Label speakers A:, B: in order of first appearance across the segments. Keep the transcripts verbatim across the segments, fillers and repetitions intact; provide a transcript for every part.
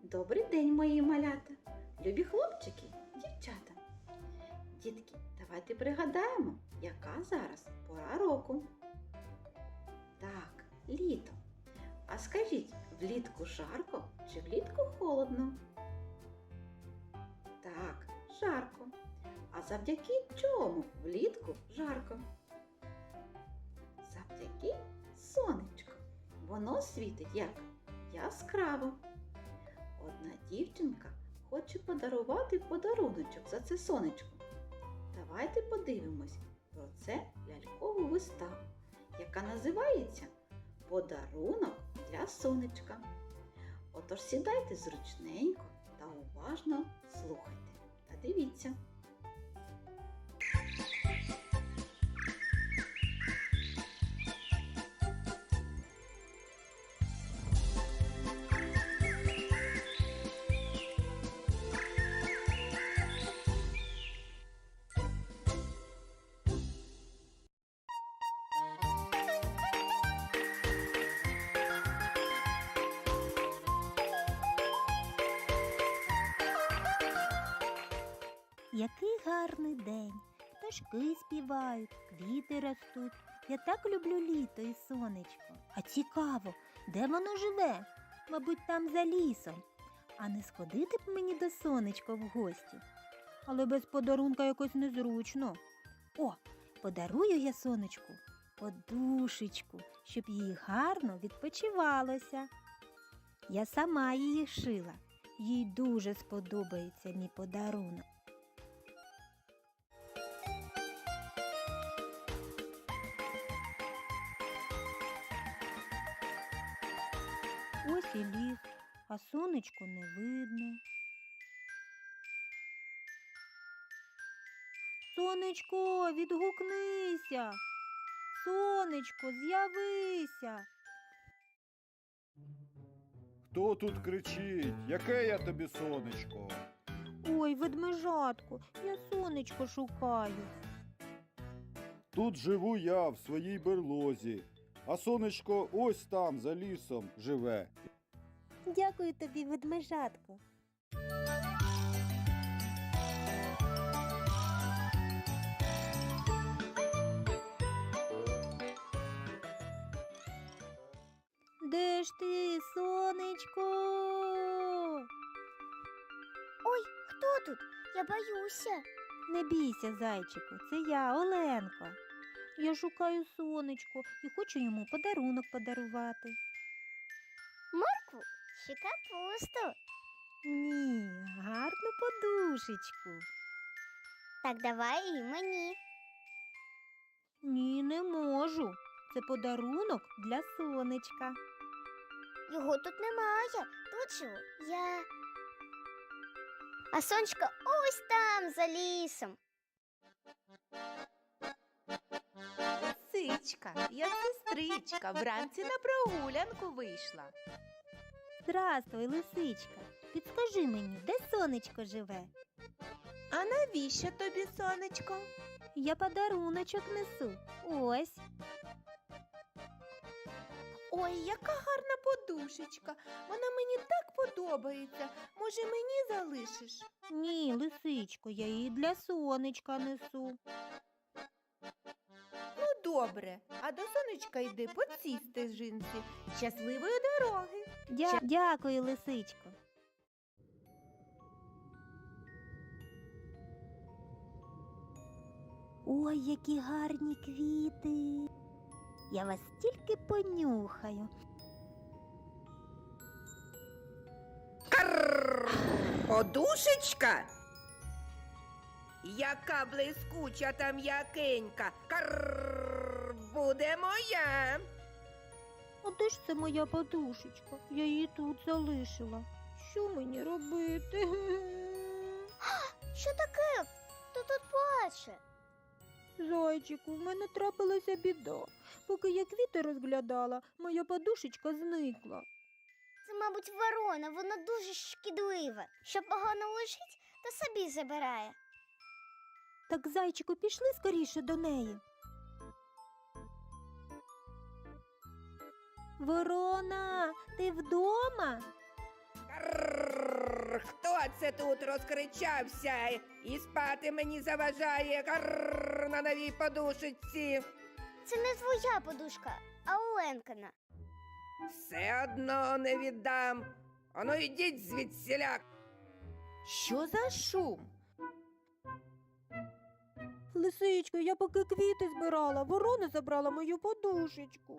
A: Добрий день, мої малята, любі хлопчики, дівчата. Дітки, давайте пригадаємо, яка зараз пора року. Так, літо. А скажіть, влітку жарко чи влітку холодно? Так, жарко. А завдяки чому влітку жарко? Завдяки сонечку. Воно світить як яскраво. Одна дівчинка хоче подарувати подаруночок за це сонечко. Давайте подивимось про це лялькову виставу, яка називається «Подарунок для сонечка». Отож сідайте зручненько та уважно слухайте та дивіться.
B: Який гарний день, пташки співають, квіти ростуть. Я так люблю літо і сонечко. А цікаво, де воно живе? Мабуть, там за лісом. А не сходити б мені до сонечка в гості? Але без подарунка якось незручно. О, подарую я сонечку подушечку, щоб їй гарно відпочивалося. Я сама її шила. Їй дуже сподобається мій подарунок. Ось і ліс, а сонечко не видно. Сонечко, відгукнися! Сонечко, з'явися!
C: Хто тут кричить? Яке я тобі сонечко?
B: Ой, ведмежатко, я сонечко шукаю.
C: Тут живу я в своїй берлозі, а сонечко ось там, за лісом, живе.
B: Дякую тобі, ведмежатко. Де ж ти, сонечко?
D: Ой, хто тут? Я боюся.
B: Не бійся, зайчику, це я, Оленко. Я шукаю сонечко і хочу йому подарунок подарувати.
D: Моркву чи капусту?
B: Ні, гарну подушечку.
D: Так давай і мені.
B: Ні, не можу. Це подарунок для сонечка.
D: Його тут немає. Тут живу я. А сонечко ось там, за лісом.
E: Лисичка, я сестричка, вранці на прогулянку вийшла.
B: Здравствуй, лисичка. Підскажи мені, де сонечко живе?
E: А навіщо тобі, сонечко?
B: Я подаруночок несу. Ось.
E: Ой, яка гарна подушечка. Вона мені так подобається. Може, мені залишиш?
B: Ні, лисичко, я її для сонечка несу.
E: Ну, добре. А до сонечка йди поцісти з жінці. Щасливої дороги.
B: Дя... Дякую, лисичко. Ой, які гарні квіти. Я вас тільки понюхаю.
F: Подушечка? Яка блискуча та м'якенька. Карр, буде моя.
B: А де ж це моя подушечка? Я її тут залишила. Що мені робити?
D: Що таке? Хто тут плаче?
B: Зайчику, в мене трапилася біда. Поки я квіти розглядала, моя подушечка зникла.
D: Це, мабуть, ворона, вона дуже шкідлива. Що погано лежить, то собі забирає.
B: Так, зайчику, пішли скоріше до неї. Ворона, ти вдома?
F: Карр. Карр, хто це тут розкричався і спати мені заважає? Карр, на новій подушечці.
D: Це не твоя подушка, а Оленкина.
F: Все одно не віддам. Ану йдіть звідсіля.
E: Що за шум?
B: Лисичко, я поки квіти збирала, ворона забрала мою подушечку.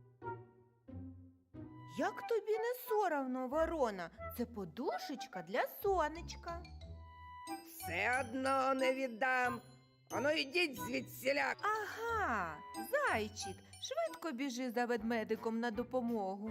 E: Як тобі не соромно, ворона? Це подушечка для сонечка.
F: Все одно не віддам. Ану йдіть звідсіля.
E: Ага, зайчик, швидко біжи за ведмедиком на допомогу.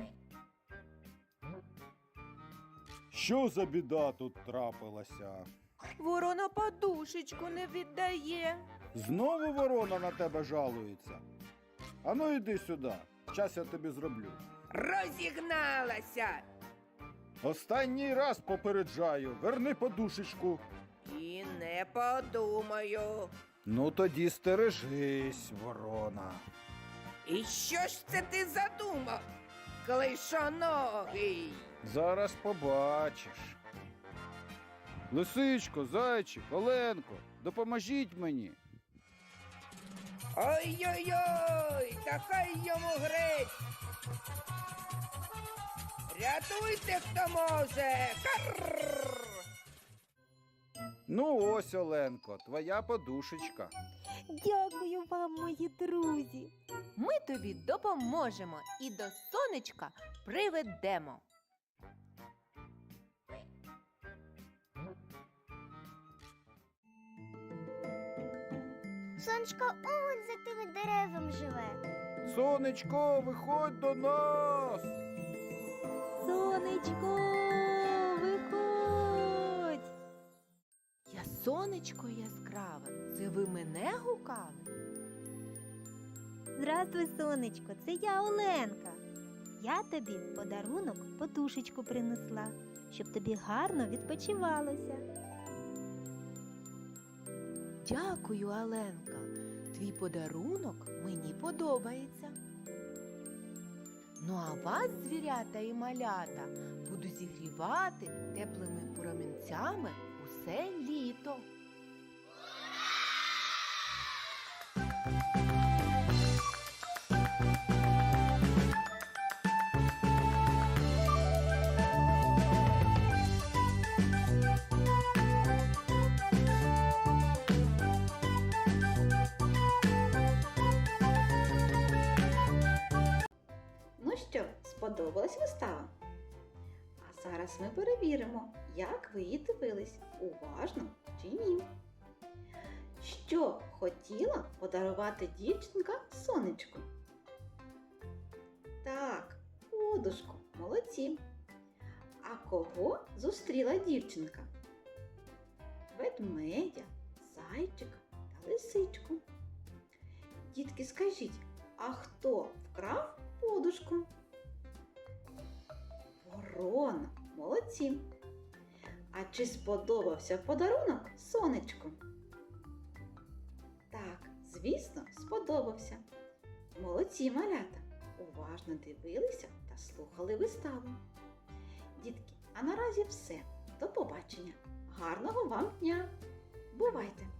C: Що за біда тут трапилася?
E: Ворона подушечку не віддає.
C: Знову ворона на тебе жалується. Ану йди сюди, щас я тобі зроблю.
F: Розігналася.
C: Останній раз попереджаю, верни подушечку.
F: І не подумаю.
C: Ну тоді стережись, ворона.
F: І що ж це ти задумав, клишоногий?
C: Зараз побачиш. Лисичко, зайчик, Оленко, допоможіть мені.
F: Ой-ой-ой, та хай йому грець. Рятуйте, хто може. Карр!
C: Ну ось, Оленко, твоя подушечка.
B: Дякую вам, мої друзі.
E: Ми тобі допоможемо і до сонечка приведемо.
D: Сонечко он за тими деревами живе.
C: Сонечко, виходь до нас.
B: Сонечко, виходь.
E: Я сонечко яскраве, це ви мене гукали?
B: Здравствуй, сонечко, це я Оленка. Я тобі в подарунок подушечку принесла, щоб тобі гарно відпочивалося.
E: Дякую, Аленка. Твій подарунок мені подобається. Ну а вас, звірята і малята, буду зігрівати теплими промінцями усе літо.
A: Ну що, сподобалась вистава? А зараз ми перевіримо, як ви її дивились, уважно чи ні. Що хотіла подарувати дівчинка сонечку? Так, подушку, молодці. А кого зустріла дівчинка? Ведмедя, зайчика та лисичку. Дітки, скажіть, а хто вкрав подушку? Ворона, молодці. А чи сподобався подарунок сонечку? Так, звісно, сподобався. Молодці, малята, уважно дивилися та слухали виставу. Дітки, а наразі все. До побачення. Гарного вам дня! Бувайте!